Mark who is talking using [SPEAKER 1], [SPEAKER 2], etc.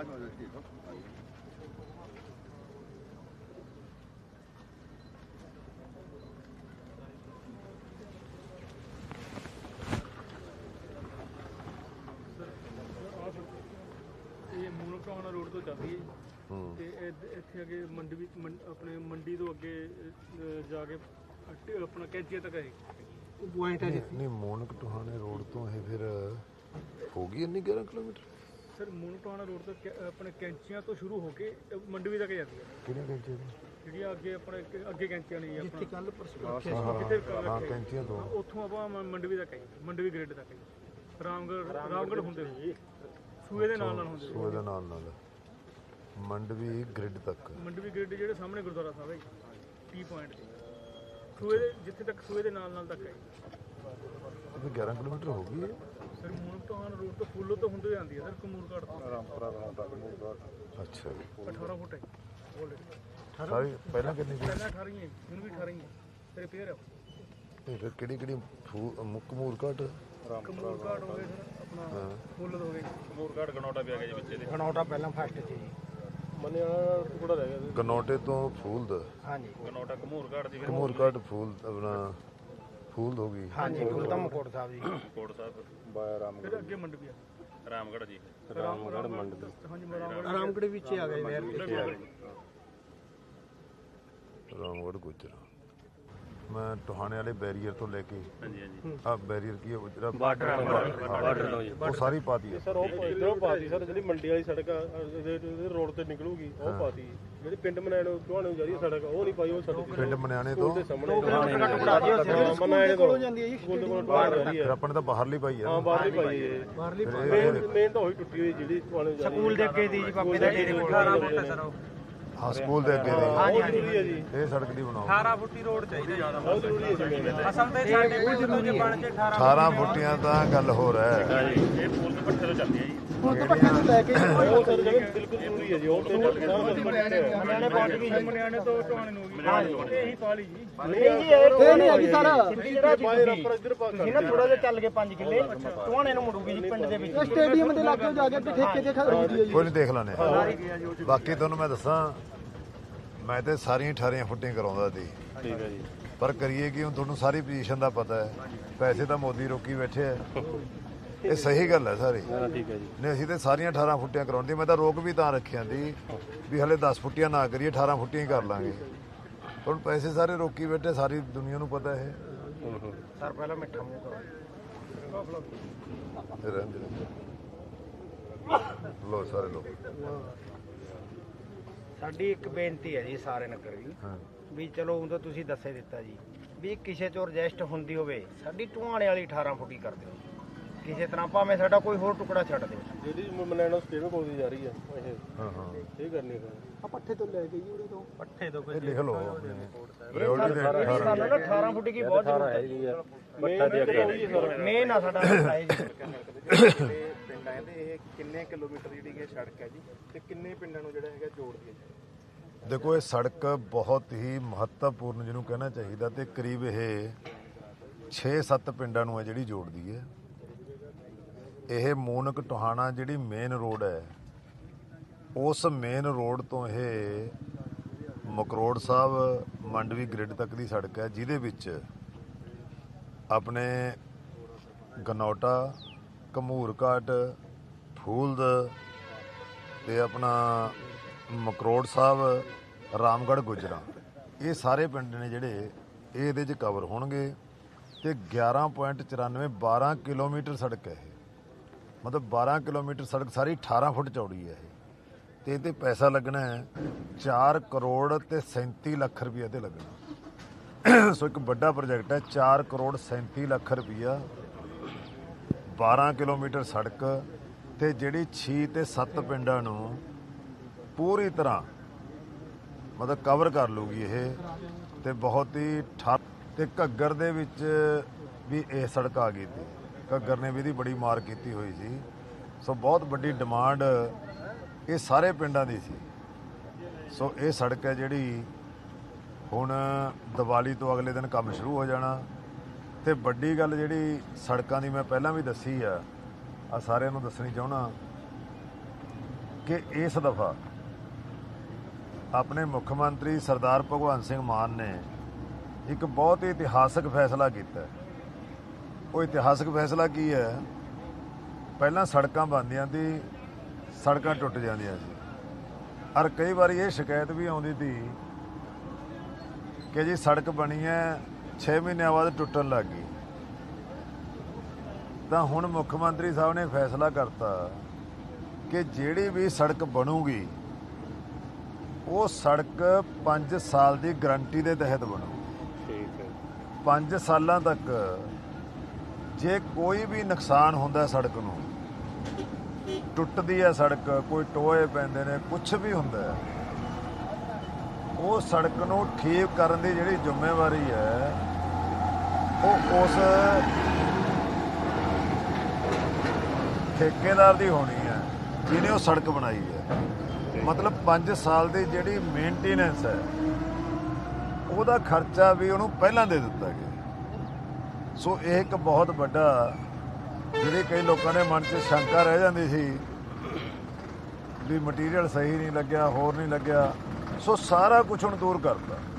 [SPEAKER 1] Moonak road ਤੋਂ ਚੱਲ ਰਹੀ ਹੈ ਤੇ ਇੱਥੇ ਅੱਗੇ ਮੰਡੀ ਆਪਣੇ ਮੰਡੀ ਤੋਂ ਅੱਗੇ ਜਾ ਕੇ ਆਪਣਾ ਕੈਂਚੀਆਂ ਤੱਕ ਹੈ ਪੁਆਇੰਟ ਹੈ
[SPEAKER 2] ਨਹੀਂ ਮੂਨਕ ਟੋਹਾਣੇ ਰੋਡ ਤੋਂ ਇਹ ਫਿਰ ਹੋ ਗਈ ਇੰਨੀ 11 kilometre
[SPEAKER 1] sir Moonak Tohana road ਤੋਂ ਆਪਣੇ ਕੈਂਚੀਆਂ ਤੋਂ ਸ਼ੁਰੂ ਹੋ ਕੇ ਮੰਡੀ ਤੱਕ ਜਾਂਦੀ ਹੈ
[SPEAKER 2] ਕਿਹੜੀਆਂ ਕੈਂਚੀਆਂ
[SPEAKER 1] ਜਿਹੜੀਆਂ ਅੱਗੇ ਆਪਣੇ ਅੱਗੇ ਕੈਂਚੀਆਂ ਨਹੀਂ
[SPEAKER 2] ਆਪਣਾ ਕੱਲ ਹਾਂ ਕੈਂਚੀਆਂ ਤੋਂ
[SPEAKER 1] ਉੱਥੋਂ ਆਪਾਂ ਮੰਡਵੀ ਤੱਕ ਆਈ ਮੰਡਵੀ ਗ੍ਰਿਡ ਤੱਕ ਆਈ ਰਾਮਗੜ੍ਹ ਹੁੰਦੇ ਹੋਏ ਸੂਏ ਦੇ ਨਾਲ ਹੁੰਦੇ
[SPEAKER 2] ਸੂਏ ਦੇ ਨਾਲ ਮੰਡਵੀ ਗ੍ਰਿਡ ਤੱਕ
[SPEAKER 1] ਮੰਡਵੀ ਗ੍ਰਿਡ ਜਿਹੜੇ ਸਾਹਮਣੇ ਗੁਰਦੁਆਰਾ ਸਾਹਿਬ ਹੈ ਟੀ ਪੁਆਇੰਟ ਤੇ ਸੂਏ ਦੇ ਜਿੱਥੇ ਤੱਕ ਸੂਏ ਦੇ ਨਾਲ ਤੱਕ ਆਈ
[SPEAKER 2] ਇਹ 11 ਕਿਲੋਮੀਟਰ ਹੋ ਗਈ ਹੈ
[SPEAKER 1] ਸਰ ਮੂਨਕ ਟੋਹਾਣਾ ਰੋਡ ਤੋਂ ਫੁੱਲੋ ਤੋਂ ਹੁੰਦੇ ਜਾਂਦੀ ਹੈ ਸਰ ਕਮੂਰਘਾਟ ਤੋਂ
[SPEAKER 2] ਅੱਛਾ
[SPEAKER 1] 18 ਫੁੱਟ ਹੈ
[SPEAKER 2] ਸਾਰੀ ਪਹਿਲਾਂ ਕਿੰਨੀ ਸੀ
[SPEAKER 1] ਪਹਿਲਾਂ 18 ਹੈ ਹੁਣ ਵੀ 18 ਹੈ ਰਿਪੇਅਰ ਹੈ
[SPEAKER 2] ਇਹ ਫਿਰ ਕਿਹੜੀ ਕਮੂਰਘਾਟ
[SPEAKER 1] ਕਮੂਰਘਾਟ ਹੋ ਗਏ ਸਰ ਆਪਣਾ ਫੁੱਲ ਹੋ ਗਏ
[SPEAKER 3] ਕਮੂਰਘਾਟ ਗਨੌਟਾ ਪਿਆ ਗਿਆ ਜੀ ਵਿੱਚ ਇਹਦੇ
[SPEAKER 1] ਗਨੌਟਾ ਪਹਿਲਾਂ ਫਸਟ ਸੀ
[SPEAKER 3] ਮੰਨਿਆ ਟੁਕੜਾ ਰਹਿ ਗਿਆ
[SPEAKER 2] ਗਨੌਟੇ ਤੋਂ ਫੂਲਦ
[SPEAKER 1] ਹਾਂਜੀ
[SPEAKER 3] ਗਨੌਟਾ ਕਮੂਰਘਾਟ ਦੀ
[SPEAKER 2] ਕਮੂਰਘਾਟ ਫੂਲ ਆਪਣਾ ਫੂਲਦ ਹੋ ਗਈ
[SPEAKER 1] ਹਾਂਜੀ ਧੰਮਕੋਟ ਸਾਹਿਬ ਜੀ
[SPEAKER 3] ਕੋਟ ਸਾਹਿਬ
[SPEAKER 2] ਬਾਇਆ ਰਾਮਗੜ੍ਹ
[SPEAKER 1] ਫਿਰ ਅੱਗੇ ਮੰਡਵੀ ਆ
[SPEAKER 3] ਰਾਮਗੜ੍ਹ ਜੀ
[SPEAKER 2] ਰਾਮਗੜ੍ਹ ਮੰਡੀ
[SPEAKER 1] ਹਾਂਜੀ ਰਾਮਗੜ੍ਹ ਵਿੱਚ ਆ ਗਏ
[SPEAKER 2] ਰਾਮਗੜ੍ਹ ਗੁਜਰਾ ਮੈਂ ਟੋਹਾਣੇ ਵਾਲੇ ਬੈਰੀਅਰ ਤੋਂ ਲੈ ਕੇ ਆ ਬੈਰੀਅਰ ਕੀ ਹੈ ਬਾਰਡਰ ਉਹ ਸਾਰੀ ਪਾਤੀ ਹੈ
[SPEAKER 3] ਸਰ ਉਹ ਇਧਰੋਂ ਪਾਤੀ ਸਰ ਜਿਹੜੀ ਮੰਡੀ ਵਾਲੀ ਸੜਕ ਰੋਡ ਤੇ ਨਿਕਲੂਗੀ ਉਹ ਪਾਤੀ ਜਿਹੜੀ ਪਿੰਡ ਮਨਾਣੇ ਨੂੰ ਟੋਹਾਣੇ ਨੂੰ ਜਾ ਰਹੀ ਸੜਕ ਉਹ ਨਹੀਂ ਪਾਈ ਉਹ ਸੜਕ
[SPEAKER 2] ਪਿੰਡ ਮਨਿਆਣੇ ਤੋਂ
[SPEAKER 3] ਮਨਾਣੇ ਕੋਲ ਜਾਂਦੀ ਹੈ ਜੀ ਸਕੂਲ ਦੇ ਕੋਲ
[SPEAKER 2] ਫਿਰ ਆਪਣੇ ਤਾਂ ਬਾਹਰਲੀ ਪਾਈ ਹੈ
[SPEAKER 3] ਹਾਂ ਬਾਹਰਲੀ ਪਾਈ ਹੈ ਬਾਹਰਲੀ ਮੇਨ ਤਾਂ ਉਹੀ ਟੁੱਟੀ ਹੋਈ ਜਿਹੜੀ ਟੋਹਾਣੇ ਜਾ ਰਹੀ
[SPEAKER 1] ਸਕੂਲ ਦੇ ਅੱਗੇ ਦੀ ਜੀ ਬਾਬੇ ਦਾ ਡੇਰੇ ਕੋਲ 18 ਫੁੱਟ ਹੈ ਸਰ
[SPEAKER 2] ਹਾਂ ਸਕੂਲ ਦੇ ਅੱਗੇ ਦੀ ਇਹ ਸੜਕ ਦੀ ਬਣਾਓ
[SPEAKER 1] 18 ਫੁੱਟੀ ਰੋਡ ਚਾਹੀਦੀ ਜ਼ਿਆਦਾ ਬਹੁਤ ਜ਼ਰੂਰੀ ਹੈ ਅਸਲ ਤੇ ਸਾਡੇ ਪਿੰਡ ਤੋਂ ਜੇ ਬਣ ਕੇ
[SPEAKER 2] 18 ਫੁੱਟੀਆਂ ਤਾਂ ਗੱਲ ਹੋ ਰਿਹਾ ਹੈ
[SPEAKER 3] ਇਹ ਫੂਲ ਦੇ ਪੱਠੇ ਤੋਂ ਚੱਲਦੀ ਹੈ ਜੀ
[SPEAKER 1] ਫੁੱਲ ਤੋਂ ਪੱਠੇ ਤੋਂ ਲੈ ਕੇ
[SPEAKER 3] ਉਹ ਸਰ ਬਿਲਕੁਲ ਜ਼ਰੂਰੀ ਹੈ ਜੀ ਉਹ ਤੇ
[SPEAKER 1] ਮਨਿਆਣੇ ਪਹੁੰਚ ਗਈ ਮਨਿਆਣੇ ਤੋਂ ਟੋਹਾਣੇ ਨੂੰ ਹੋ ਗਈ ਇਹੀ ਪਾਲੀ ਜੀ
[SPEAKER 4] ਨਹੀਂ ਜੀ ਇਹ ਨਹੀਂ ਹੈਗੀ ਸਰ ਜਿਹੜਾ ਜਿਹਨਾਂ ਥੋੜਾ ਜਿਹਾ ਚੱਲ ਕੇ 5 ਕਿੱਲੇ ਟੋਹਾਣੇ ਨੂੰ ਮੁੜੂਗੀ ਜੀ ਪਿੰਡ ਦੇ ਵਿੱਚ
[SPEAKER 1] ਸਟੇਡੀਅਮ ਦੇ ਲਾਗੇ ਜਾ ਕੇ ਠੇਕੇ ਤੇ ਖਰੀਦੀ ਹੈ ਜੀ
[SPEAKER 2] ਕੋਈ ਨਹੀਂ ਦੇਖ ਲੈਣੇ ਬਾਕੀ ਤੁਹਾਨੂੰ ਮੈਂ ਦੱਸਾਂ ਮੈਂ ਤੇ ਸਾਰੀਆਂ 18 ਫੁੱਟੀਆਂ ਕਰਾਉਂਦਾ ਸੀ
[SPEAKER 3] ਠੀਕ ਹੈ ਜੀ
[SPEAKER 2] ਪਰ ਕਰੀਏ ਕਿ ਹੁਣ ਤੁਹਾਨੂੰ ਸਾਰੀ ਪੋਜੀਸ਼ਨ ਦਾ ਪਤਾ ਹੈ ਪੈਸੇ ਤਾਂ ਮੋਦੀ ਰੋਕੀ ਬੈਠੇ ਆ ਇਹ ਸਹੀ ਗੱਲ ਹੈ ਸਾਰੀ
[SPEAKER 3] ਠੀਕ ਹੈ ਜੀ
[SPEAKER 2] ਨਹੀਂ ਅਸੀਂ ਤੇ ਸਾਰੀਆਂ 18 ਫੁੱਟੀਆਂ ਕਰਾਉਂਦੀ ਮੈਂ ਤਾਂ ਰੋਕ ਵੀ ਤਾਂ ਰੱਖਿਆ ਸੀ ਵੀ ਹਲੇ 10 ਫੁੱਟੀਆਂ ਨਾ ਕਰੀਏ 18 ਫੁੱਟੀਆਂ ਹੀ ਕਰ ਲਾਂਗੇ ਹੁਣ ਪੈਸੇ ਸਾਰੇ ਰੋਕੀ ਬੈਠੇ ਸਾਰੀ ਦੁਨੀਆ ਨੂੰ ਪਤਾ ਹੈ
[SPEAKER 4] ਸਰ ਪਹਿਲਾਂ ਮਿੱਠਾ ਮੂੰਹ ਕਰੋ
[SPEAKER 2] ਲੋ ਸਾਰੇ ਲੋਕ
[SPEAKER 4] ਸਾਡੀ ਇੱਕ ਬੇਨਤੀ ਹੈ ਜੀ ਸਾਰੇ ਨਗਰ ਦੀ ਵੀ ਚਲੋ ਉਦੋਂ ਤੁਸੀਂ ਦੱਸੇ ਦਿੱਤਾ ਜੀ ਵੀ ਕਿਸੇ ਚੋਂ ਰਜਿਸਟ ਹੁੰਦੀ ਹੋਵੇ ਸਾਡੀ ਟੋਹਾਣੇ ਵਾਲੀ 18 ਫੁੱਟੀ ਕਰ ਦਿਓ ਕਿਸੇ ਤਰ੍ਹਾਂ ਭਾਵੇਂ ਸਾਡਾ ਕੋਈ ਹੋਰ ਟੁਕੜਾ ਛੱਡ ਦਿਓ
[SPEAKER 3] ਜਿਹੜੀ ਮਨਾਣਾ ਸਟੇਡੀਅਮ ਕੋਲ ਦੀ ਜਾ ਰਹੀ ਹੈ ਇਹ ਕਰਨੀ ਹੈ
[SPEAKER 1] ਆ ਪੱਠੇ ਤੋਂ ਲੈ ਕੇ ਜੀ ਉਹਦੇ ਤੋਂ
[SPEAKER 4] ਪੱਠੇ ਤੋਂ
[SPEAKER 2] ਇਹ ਲਿਖ ਲਓ
[SPEAKER 4] ਸਾਨੂੰ ਨਾ 18 ਫੁੱਟ ਦੀ ਬਹੁਤ ਜ਼ਰੂਰਤ ਹੈ ਜੀ ਮੇਨ ਆ ਸਾਡਾ ਹੈ ਜੀ
[SPEAKER 5] ਪਿੰਡਾਂ ਦੇ ਇਹ ਕਿੰਨੇ ਕਿਲੋਮੀਟਰ ਜਿਹੜੀ ਹੈ ਸੜਕ ਹੈ ਜੀ ਤੇ ਕਿੰਨੇ ਪਿੰਡਾਂ ਨੂੰ ਜਿਹੜਾ ਹੈਗਾ ਜੋੜਦੀ ਹੈ ਜੀ
[SPEAKER 2] ਦੇਖੋ ਇਹ ਸੜਕ ਬਹੁਤ ਹੀ ਮਹੱਤਵਪੂਰਨ ਜਿਹਨੂੰ ਕਹਿਣਾ ਚਾਹੀਦਾ ਤੇ ਕਰੀਬ ਇਹ 6-7 ਪਿੰਡਾਂ ਨੂੰ ਹੈ ਜਿਹੜੀ ਜੋੜਦੀ ਹੈ ਇਹ ਮੂਨਕ ਟੋਹਾਣਾ ਜਿਹੜੀ ਮੇਨ ਰੋਡ ਹੈ ਉਸ ਮੇਨ ਰੋਡ ਤੋਂ ਇਹ ਮਕਰੋੜ ਸਾਹਿਬ ਮੰਡਵੀ ਗ੍ਰਿਡ ਤੱਕ ਦੀ ਸੜਕ ਹੈ ਜਿਹਦੇ ਵਿੱਚ ਆਪਣੇ ਗਨੌਟਾ ਕਮੂਰਘਾਟ ਫੂਲਦ ਤੇ ਆਪਣਾ ਮਕਰੋੜ ਸਾਹਿਬ ਰਾਮਗੜ੍ਹ ਗੁਜਰਾ ਇਹ ਸਾਰੇ ਪਿੰਡ ਨੇ ਜਿਹੜੇ ਇਹ ਇਹਦੇ 'ਚ ਕਵਰ ਹੋਣਗੇ ਤੇ 11.94 12 ਕਿਲੋਮੀਟਰ ਸੜਕ ਹੈ ਇਹ ਮਤਲਬ 12 ਕਿਲੋਮੀਟਰ ਸੜਕ ਸਾਰੀ 18 ਫੁੱਟ ਚੌੜੀ ਹੈ ਇਹ ਤੇ ਇਹਤੇ ਪੈਸਾ ਲੱਗਣਾ ਹੈ 4 ਕਰੋੜ ਤੇ 37 ਲੱਖ ਰੁਪਈਆ ਤੇ ਲੱਗਣਾ ਸੋ ਇੱਕ ਵੱਡਾ ਪ੍ਰੋਜੈਕਟ ਹੈ 4 ਕਰੋੜ 37 ਲੱਖ ਰੁਪਈਆ 12 ਕਿਲੋਮੀਟਰ ਸੜਕ ਤੇ ਜਿਹੜੀ 6 ਤੇ 7 ਪਿੰਡਾਂ ਨੂੰ ਪੂਰੀ ਤਰ੍ਹਾਂ ਮਤਲਬ ਕਵਰ ਕਰ ਲੂਗੀ ਇਹ ਤੇ ਬਹੁਤ ਹੀ ਤੇ ਘੱਗਰ ਦੇ ਵਿੱਚ ਵੀ ਇਹ ਸੜਕ ਆ ਗਈ ਸੀ ਘੱਗਰ ਨੇ ਵੀ ਇਹਦੀ ਬੜੀ ਮਾਰ ਕੀਤੀ ਹੋਈ ਸੀ ਸੋ ਬਹੁਤ ਵੱਡੀ ਡਿਮਾਂਡ ਇਹ ਸਾਰੇ ਪਿੰਡਾਂ ਦੀ ਸੀ ਸੋ ਇਹ ਸੜਕ ਹੈ ਜਿਹੜੀ ਹੁਣ ਦੀਵਾਲੀ ਤੋਂ ਅਗਲੇ ਦਿਨ ਕੰਮ ਸ਼ੁਰੂ ਹੋ ਜਾਣਾ ਤੇ ਵੱਡੀ ਗੱਲ ਜਿਹੜੀ ਸੜਕਾਂ ਦੀ ਮੈਂ ਪਹਿਲਾਂ ਵੀ ਦੱਸੀ ਆ ਸਾਰਿਆਂ ਨੂੰ ਦੱਸਣੀ ਚਾਹੁੰਦਾ ਕਿ ਇਸ ਦਫਾ ਆਪਣੇ ਮੁੱਖ ਮੰਤਰੀ ਸਰਦਾਰ ਭਗਵੰਤ ਸਿੰਘ ਮਾਨ ਨੇ ਇੱਕ ਬਹੁਤ ਹੀ ਇਤਿਹਾਸਕ ਫੈਸਲਾ ਕੀਤਾ। ਉਹ ਇਤਿਹਾਸਕ ਫੈਸਲਾ ਕੀ ਹੈ? ਪਹਿਲਾਂ ਸੜਕਾਂ ਬਣਦੀਆਂ ਸੀ, ਸੜਕਾਂ ਟੁੱਟ ਜਾਂਦੀਆਂ ਸੀ, ਔਰ ਕਈ ਵਾਰੀ ਇਹ ਸ਼ਿਕਾਇਤ ਵੀ ਆਉਂਦੀ ਸੀ ਕਿ ਜੀ ਸੜਕ ਬਣੀ ਹੈ 6 ਮਹੀਨਿਆਂ ਬਾਅਦ ਟੁੱਟਣ ਲੱਗ ਗਈ। ਤਾਂ ਹੁਣ ਮੁੱਖ ਮੰਤਰੀ ਸਾਹਿਬ ਨੇ ਫੈਸਲਾ ਕਰਤਾ ਕਿ ਜਿਹੜੀ ਵੀ ਸੜਕ ਬਣੂਗੀ ਉਹ ਸੜਕ 5 ਸਾਲ ਦੀ ਗਰੰਟੀ ਦੇ ਤਹਿਤ ਬਣੂ।
[SPEAKER 3] ਠੀਕ ਹੈ।
[SPEAKER 2] 5 ਸਾਲਾਂ ਤੱਕ ਜੇ ਕੋਈ ਵੀ ਨੁਕਸਾਨ ਹੁੰਦਾ ਸੜਕ ਨੂੰ, ਟੁੱਟਦੀ ਹੈ ਸੜਕ, ਕੋਈ ਟੋਏ ਪੈਂਦੇ ਨੇ, ਕੁਝ ਵੀ ਹੁੰਦਾ ਹੈ, ਉਹ ਸੜਕ ਨੂੰ ਠੀਕ ਕਰਨ ਦੀ ਜਿਹੜੀ ਜ਼ਿੰਮੇਵਾਰੀ ਹੈ ਉਹ ਉਸ ਠੇਕੇਦਾਰ ਦੀ ਹੋਣੀ ਹੈ ਜਿਹਨੇ ਉਹ ਸੜਕ ਬਣਾਈ ਹੈ। ਮਤਲਬ 5 ਸਾਲ ਦੀ ਜਿਹੜੀ ਮੇਨਟੇਨੈਂਸ ਹੈ ਉਹਦਾ ਖਰਚਾ ਵੀ ਉਹਨੂੰ ਪਹਿਲਾਂ ਦੇ ਦਿੱਤਾ ਗਿਆ। ਸੋ ਇਹ ਇੱਕ ਬਹੁਤ ਵੱਡਾ, ਜਿਹੜੇ ਕਈ ਲੋਕਾਂ ਦੇ ਮਨ 'ਚ ਸ਼ੰਕਾ ਰਹਿ ਜਾਂਦੀ ਸੀ ਵੀ ਮਟੀਰੀਅਲ ਸਹੀ ਨਹੀਂ ਲੱਗਿਆ, ਹੋਰ ਨਹੀਂ ਲੱਗਿਆ, ਸੋ ਸਾਰਾ ਕੁਝ ਹੁਣ ਦੂਰ ਕਰਤਾ।